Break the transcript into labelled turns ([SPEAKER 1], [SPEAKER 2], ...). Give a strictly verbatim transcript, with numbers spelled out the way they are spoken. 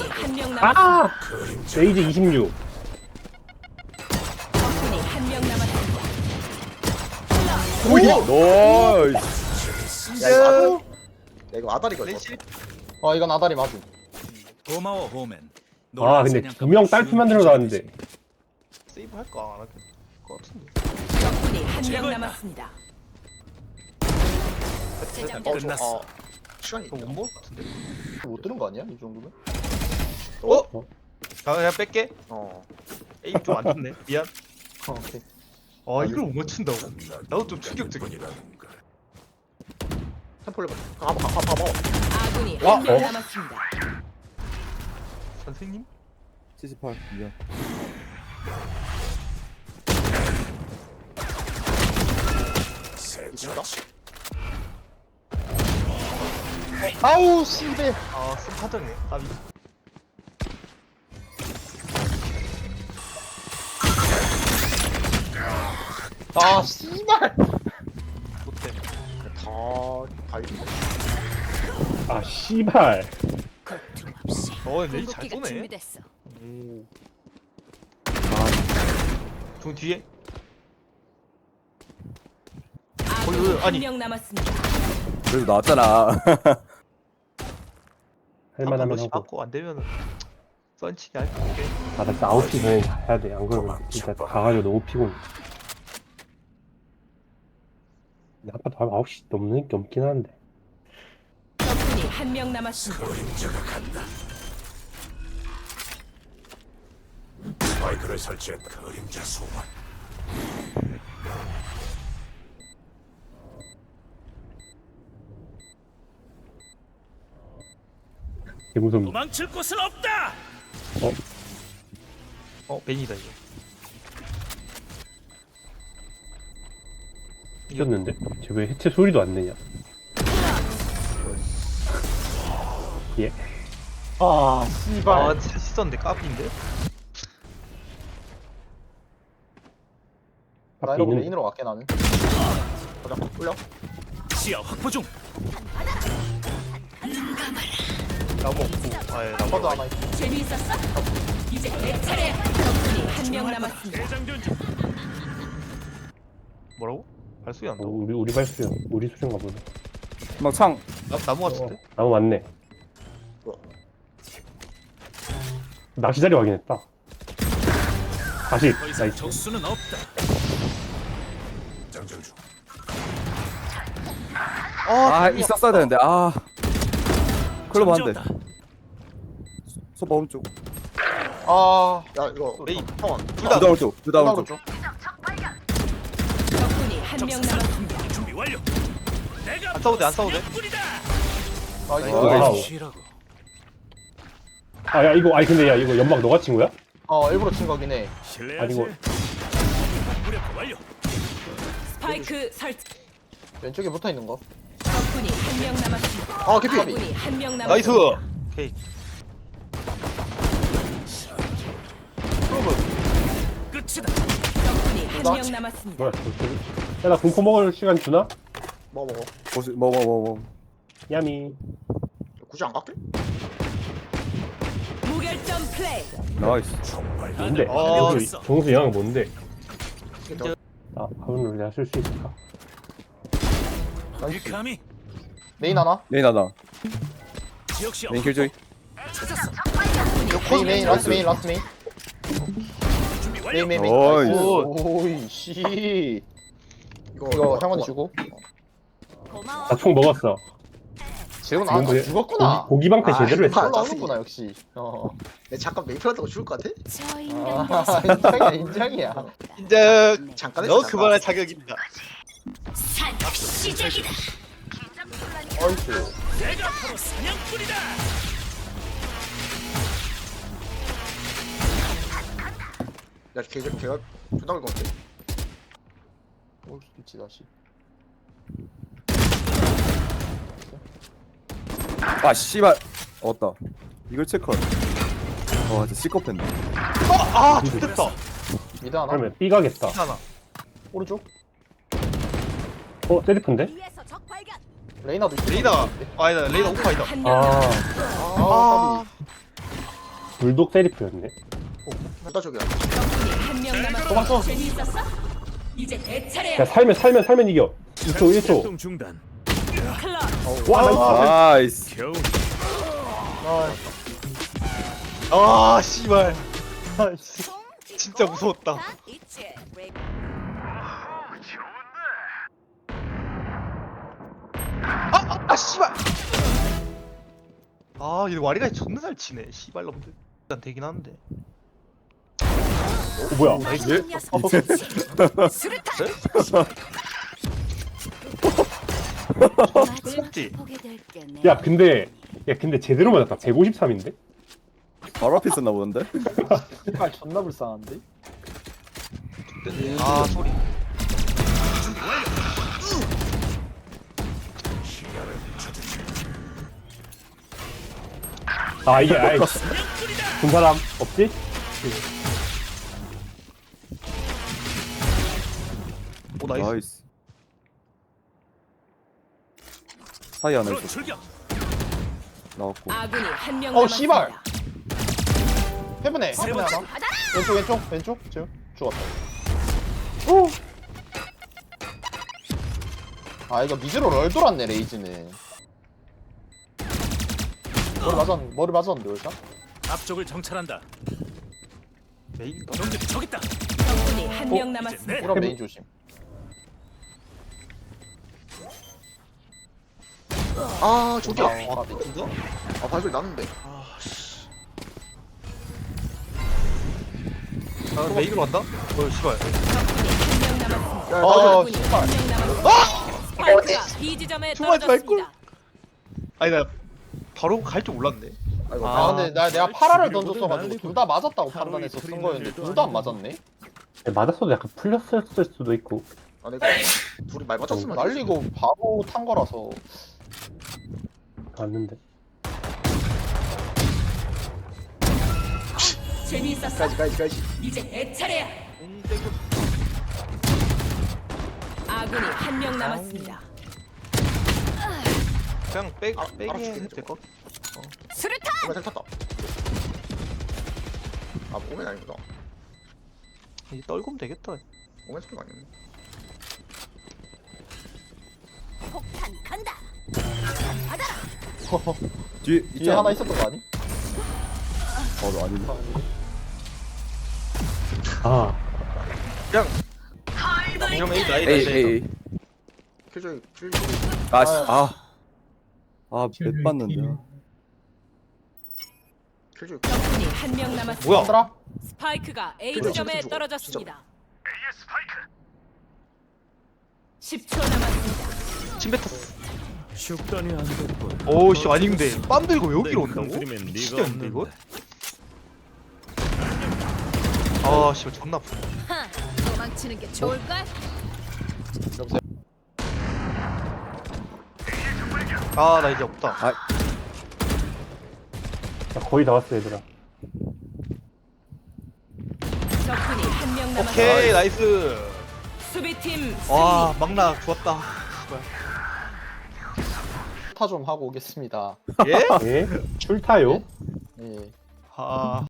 [SPEAKER 1] 한 명 남았습니다.
[SPEAKER 2] 아! 레이즈 이십육.
[SPEAKER 1] 적군이 한 명 남았습니다.
[SPEAKER 3] 나이스.
[SPEAKER 4] 야 이거 아다리. 야 이거 아다리가 이거.
[SPEAKER 3] 어 이건 아다리 맞음.
[SPEAKER 5] 고마워 호맨.
[SPEAKER 2] 아, 근데 두 명 딸피 만들어 놨는데.
[SPEAKER 4] 세이브 할까 안 할까? 것 같은데.
[SPEAKER 1] 적군이 한 명
[SPEAKER 5] 제거했다.
[SPEAKER 1] 남았습니다. 제작
[SPEAKER 4] 어,
[SPEAKER 5] 끝났어.
[SPEAKER 4] 저, 어, 시간이
[SPEAKER 6] 이거
[SPEAKER 4] 있다.
[SPEAKER 6] 원본 같은데?
[SPEAKER 3] 못 들은 거 아니야 이 정도면?
[SPEAKER 6] 어? 아 그냥 뺄게.
[SPEAKER 4] 어.
[SPEAKER 6] 에임 좀 안 좋네. 미안.
[SPEAKER 3] 어, 오케이.
[SPEAKER 6] 아 이걸 못 맞춘다고? 나도 좀 충격적이야.
[SPEAKER 4] 템플 레벨. 가봐 가봐 가봐.
[SPEAKER 1] 아군이
[SPEAKER 6] 와,
[SPEAKER 1] 한 명
[SPEAKER 2] 어?
[SPEAKER 1] 남았습니다.
[SPEAKER 6] 선생님?
[SPEAKER 3] 칠십팔 미안.
[SPEAKER 4] 이긴다.
[SPEAKER 3] 아우 씨발.
[SPEAKER 6] 아 쓴파정네. 아비.
[SPEAKER 3] 아 씨발.
[SPEAKER 6] 못해.
[SPEAKER 4] 다다 이긴다.
[SPEAKER 2] 아, 씨발.
[SPEAKER 1] 거침없이
[SPEAKER 6] 어 근데 잘
[SPEAKER 1] 궁극기가
[SPEAKER 6] 쏘네.
[SPEAKER 1] 준비됐어.
[SPEAKER 6] 오. 종 뒤에?
[SPEAKER 1] 아군이
[SPEAKER 6] 어, 아니.
[SPEAKER 1] 한 명 남았습니다.
[SPEAKER 7] 그래도 나왔잖아.
[SPEAKER 2] 할만하면
[SPEAKER 6] 번씩
[SPEAKER 2] 하고.
[SPEAKER 6] 받고 안 되면은 썬치기 할게.
[SPEAKER 2] 아, 나 진짜 아홉 시 전에 가야 돼. 안 그러면 진짜 가가지고 너무 피곤해. 근데 아파도 한 아홉 시 넘는 게 없긴 한데.
[SPEAKER 1] 적군이 한 명 남았습니다.
[SPEAKER 5] 스파이크를 설치한 그림자 소환.
[SPEAKER 2] 개 무섭네.
[SPEAKER 5] 도망칠 곳은 없다.
[SPEAKER 6] 어 벤이다 이거.
[SPEAKER 2] 이겼는데? 쟤 왜 해체 소리도 안 내냐? 예.
[SPEAKER 3] 아 씨발.
[SPEAKER 6] 아 진짜 씻었는데 까비인데?
[SPEAKER 3] 나
[SPEAKER 2] 앞에
[SPEAKER 3] 이러고
[SPEAKER 2] 있는데.
[SPEAKER 3] 메인으로 갈게 나는.
[SPEAKER 4] 가자. 올려.
[SPEAKER 5] 시야 확보 중.
[SPEAKER 6] 나무 없고. 아예 나무.
[SPEAKER 3] 퍼드 하나 있고.
[SPEAKER 1] 재미있었어? 이제 내 차례야. 적군이 한 명 남았습니다.
[SPEAKER 5] 대장전 중.
[SPEAKER 6] 뭐라고? 발소리
[SPEAKER 2] 어,
[SPEAKER 6] 난다.
[SPEAKER 2] 우리 우리 발수요. 우리 수준가 보네.
[SPEAKER 7] 막 창.
[SPEAKER 6] 나 나무 같은데?
[SPEAKER 2] 나무 맞네.
[SPEAKER 4] 뭐야?
[SPEAKER 2] 낚시 자리 확인했다. 다시
[SPEAKER 5] 더 이상
[SPEAKER 2] 나이스.
[SPEAKER 5] 적수는 없다. 장전 중.
[SPEAKER 7] 아 있었어야 되는데. 아. 클로버 한 대.
[SPEAKER 5] 잠재웠다.
[SPEAKER 7] 소바 오른쪽.
[SPEAKER 3] 아.
[SPEAKER 4] 야 이거
[SPEAKER 6] 메인.
[SPEAKER 4] 형원.
[SPEAKER 6] 둘다
[SPEAKER 7] 두다 오른쪽. 두다
[SPEAKER 3] 나도
[SPEAKER 7] 오른쪽.
[SPEAKER 3] 좀.
[SPEAKER 1] 적군이 한 명 남았습니다.
[SPEAKER 5] 준비 완료. 내가
[SPEAKER 6] 안 싸워도 돼, 안 싸워도 돼.
[SPEAKER 5] 사냥꾼이다.
[SPEAKER 3] 나이스.
[SPEAKER 2] 와우.
[SPEAKER 5] 쉬라고.
[SPEAKER 2] 아, 야 이거 아니 근데 야 이거 연막 너가 친 거야?
[SPEAKER 3] 어 일부러 친 거긴 해.
[SPEAKER 5] 실례하지.
[SPEAKER 2] 아니고.
[SPEAKER 5] 무력화 완료.
[SPEAKER 1] 스파이크 설치.
[SPEAKER 3] 왼쪽에 붙어 있는 거.
[SPEAKER 1] 적군이 한 명 남았습니다.
[SPEAKER 4] 아 개피.
[SPEAKER 1] 아군이 한 명
[SPEAKER 6] 나이스.
[SPEAKER 1] 남았습니다.
[SPEAKER 6] 오케이.
[SPEAKER 5] 끝이다.
[SPEAKER 1] 적군이 한 명 남았습니다.
[SPEAKER 2] 뭐야? 야나 공포 먹을 시간 주나?
[SPEAKER 4] 뭐 먹어.
[SPEAKER 7] 보시 뭐뭐 뭐 뭐.
[SPEAKER 2] 야미.
[SPEAKER 4] 굳이 안 갈게?
[SPEAKER 1] 무결점 플레이.
[SPEAKER 7] 나이스.
[SPEAKER 2] 뭔데?
[SPEAKER 6] 어,
[SPEAKER 2] 정수, 정수 영향 뭔데?
[SPEAKER 4] 진짜.
[SPEAKER 2] 아, 화면으로 내가 쓸 수 있을까?
[SPEAKER 5] 이 감이
[SPEAKER 3] 메인 하나.
[SPEAKER 7] 메인 하나.
[SPEAKER 5] 지역 시야.
[SPEAKER 7] 메인 킬조이.
[SPEAKER 5] 찾았어.
[SPEAKER 3] 메인 메인 라스트 메인 라스트 메인.
[SPEAKER 5] 준비 완료.
[SPEAKER 3] 메인 메인 메인.
[SPEAKER 7] 어이.
[SPEAKER 3] 나이스. 오이 씨.
[SPEAKER 4] 이거
[SPEAKER 3] 이거 형원 주고.
[SPEAKER 1] 고마워.
[SPEAKER 2] 나 총 먹었어.
[SPEAKER 3] 재훈 아
[SPEAKER 2] 지금
[SPEAKER 3] 죽었구나.
[SPEAKER 2] 고기, 고기 방패
[SPEAKER 4] 아,
[SPEAKER 2] 제대로 했어.
[SPEAKER 4] 아,
[SPEAKER 3] 올라오는구나 역시. 어.
[SPEAKER 4] 내 잠깐 메이플한다고 죽을 것 같아?
[SPEAKER 1] 저
[SPEAKER 3] 아
[SPEAKER 1] 인간들
[SPEAKER 3] 인정이야 인정이야.
[SPEAKER 6] 인정.
[SPEAKER 4] 잠깐 했어.
[SPEAKER 6] 너
[SPEAKER 4] 잠깐.
[SPEAKER 6] 그만할 자격입니다.
[SPEAKER 1] 산 시작이다.
[SPEAKER 3] 어이스.
[SPEAKER 5] 내가 바로 사냥꾼이다.
[SPEAKER 4] 야 걔가 걔가 존나 걸 것 같아.
[SPEAKER 3] 올 수도 있지 다시.
[SPEAKER 7] 아 씨발. 얻었다. 이걸 체크. 와 진짜 시커팬네.
[SPEAKER 6] 아, 좋겠다.
[SPEAKER 3] 미드 하나.
[SPEAKER 2] 그러면 B 가겠다.
[SPEAKER 6] 하나.
[SPEAKER 3] 오른쪽.
[SPEAKER 2] 어, 세리프인데?
[SPEAKER 1] 위에서 적 발견.
[SPEAKER 3] 레이나도 있어.
[SPEAKER 6] 레이나. 아, 아니다. 레이나 오파이다.
[SPEAKER 1] 한명
[SPEAKER 2] 아,
[SPEAKER 1] 남았습니다.
[SPEAKER 3] 아,
[SPEAKER 2] 불독 세리프였네.
[SPEAKER 4] 한다 저기야.
[SPEAKER 1] 적군이 한 명 남았습니다. 재미있었어? 이제 내 차례야.
[SPEAKER 2] 야 살면 살면 살면 이겨. 이 초 일 초.
[SPEAKER 5] 활동 중단.
[SPEAKER 1] 클럽.
[SPEAKER 2] 와 나이스.
[SPEAKER 7] 나이스.
[SPEAKER 5] 겨우
[SPEAKER 6] 아 씨발. 아, 씨. 진짜 무서웠다. 아, 아 씨발. 아, 이 와리가 존나 잘 치네. 씨발 놈들. 일단 되긴 하는데.
[SPEAKER 2] 어, 뭐야?
[SPEAKER 6] 나이스. 먹지.
[SPEAKER 2] 야 근데 야 근데 제대로 맞았다. 백오십삼인데?
[SPEAKER 7] 바로 앞에 있었나 보는데?
[SPEAKER 3] 아 존나 불쌍한데?
[SPEAKER 6] 아 소리.
[SPEAKER 2] 아 이게 아이 본 사람 없지?
[SPEAKER 6] 오 나이스.
[SPEAKER 7] 나이스. 사이 안에
[SPEAKER 5] 바로
[SPEAKER 7] 있어.
[SPEAKER 5] 출격.
[SPEAKER 7] 나왔고.
[SPEAKER 1] 아군이 한 명
[SPEAKER 3] 어,
[SPEAKER 1] 남았습니다.
[SPEAKER 3] 씨발. 해븐에
[SPEAKER 5] 세
[SPEAKER 3] 해븐에
[SPEAKER 5] 번째.
[SPEAKER 3] 하나. 왼쪽 왼쪽 왼쪽 지금 죽었다. 오. 아 이거 미즈로 럴 돌았네 레이즈는. 머리 맞았 머리 맞았는데 월샷?
[SPEAKER 5] 앞쪽을 정찰한다.
[SPEAKER 6] 메인가?
[SPEAKER 5] 놈들이 저기 있다.
[SPEAKER 1] 적군이 한 명
[SPEAKER 5] 이제
[SPEAKER 1] 남았습니다.
[SPEAKER 5] 내
[SPEAKER 3] 이런 메인 조심.
[SPEAKER 4] 아 저기야.
[SPEAKER 3] 아,
[SPEAKER 4] 아 진짜? 아 발소리 나는데.
[SPEAKER 6] 아 메인으로 간다? 어 씨발.
[SPEAKER 1] 적군이 한 명 남았습니다.
[SPEAKER 4] 야
[SPEAKER 3] 어,
[SPEAKER 4] 나도
[SPEAKER 1] 적군이 한 명 남았습니다. 스파이크가 B 지점에
[SPEAKER 6] 정말
[SPEAKER 1] 떨어졌습니다.
[SPEAKER 6] 아니 나 바로 갈 줄 몰랐네.
[SPEAKER 4] 아이고.
[SPEAKER 3] 아 근데 나 내가 파라를
[SPEAKER 5] 지금
[SPEAKER 3] 던졌어가지고
[SPEAKER 5] 날리고
[SPEAKER 3] 둘 다 맞았다고
[SPEAKER 5] 하루
[SPEAKER 3] 판단해서
[SPEAKER 5] 이틀
[SPEAKER 3] 쓴 거였는데
[SPEAKER 5] 일도
[SPEAKER 3] 둘 다 안
[SPEAKER 5] 아니고.
[SPEAKER 3] 맞았네?
[SPEAKER 2] 맞았어도 약간 풀렸을 수도 있고.
[SPEAKER 4] 아 내가 둘이 말 맞췄으면 되지.
[SPEAKER 3] 날리고 바로 탄 거라서.
[SPEAKER 2] 맞는데.
[SPEAKER 1] 재미있었어?
[SPEAKER 4] 가지 가지 가지.
[SPEAKER 1] 이제 내 차례야. 아군이 한 명 남았습니다.
[SPEAKER 6] 그냥 빼
[SPEAKER 4] 아,
[SPEAKER 6] 빼기
[SPEAKER 4] 알아줄게,
[SPEAKER 6] 해도 될 것.
[SPEAKER 1] 수류탄!
[SPEAKER 4] 정말 잘 탔다. 아 오멘 아니구나.
[SPEAKER 6] 이 떨구면 되겠다.
[SPEAKER 4] 오멘 소리가 아니네.
[SPEAKER 1] 폭탄 간다.
[SPEAKER 7] 뒤에 있지
[SPEAKER 3] 뒤에 하나
[SPEAKER 7] 않나?
[SPEAKER 3] 있었던 거 아니?
[SPEAKER 7] 어, 너 아닌데.
[SPEAKER 2] 아
[SPEAKER 6] 그냥 그냥 A 나이
[SPEAKER 7] 에이 에이 에이.
[SPEAKER 4] 킬조이 킬.
[SPEAKER 7] 아 씨. 아. 아, 몇 봤는데.
[SPEAKER 4] 킬조이.
[SPEAKER 1] 적군이 한 명 남았습니다.
[SPEAKER 6] 뭐야?
[SPEAKER 3] 얘들아
[SPEAKER 1] 스파이크가 A
[SPEAKER 4] 그래,
[SPEAKER 1] 지점에
[SPEAKER 4] 진짜
[SPEAKER 1] 떨어졌습니다. 십 초 남았습니다.
[SPEAKER 6] 침 뱉었어.
[SPEAKER 5] 숙단이 안 됐군.
[SPEAKER 6] 오씨 아닌데 빰 들고 여기로
[SPEAKER 5] 내
[SPEAKER 6] 온다고?
[SPEAKER 5] 큰그림엔 네가
[SPEAKER 6] 미치겠는데 이거?
[SPEAKER 5] 없는데.
[SPEAKER 6] 아 씨발 존나 아프네.
[SPEAKER 1] 도망치는 게 좋을걸?
[SPEAKER 6] 아 나 이제 없다.
[SPEAKER 7] 아,
[SPEAKER 2] 야, 거의 다 왔어 얘들아.
[SPEAKER 1] 적군이 한 명 남았습니다.
[SPEAKER 6] 오케이 나이스.
[SPEAKER 1] 수비팀
[SPEAKER 6] 와
[SPEAKER 1] 승리.
[SPEAKER 6] 막나 좋았다. 씨발.
[SPEAKER 3] 타 좀 하고 오겠습니다.
[SPEAKER 6] 예?
[SPEAKER 2] 예? 출타요?
[SPEAKER 3] 예.
[SPEAKER 6] 아.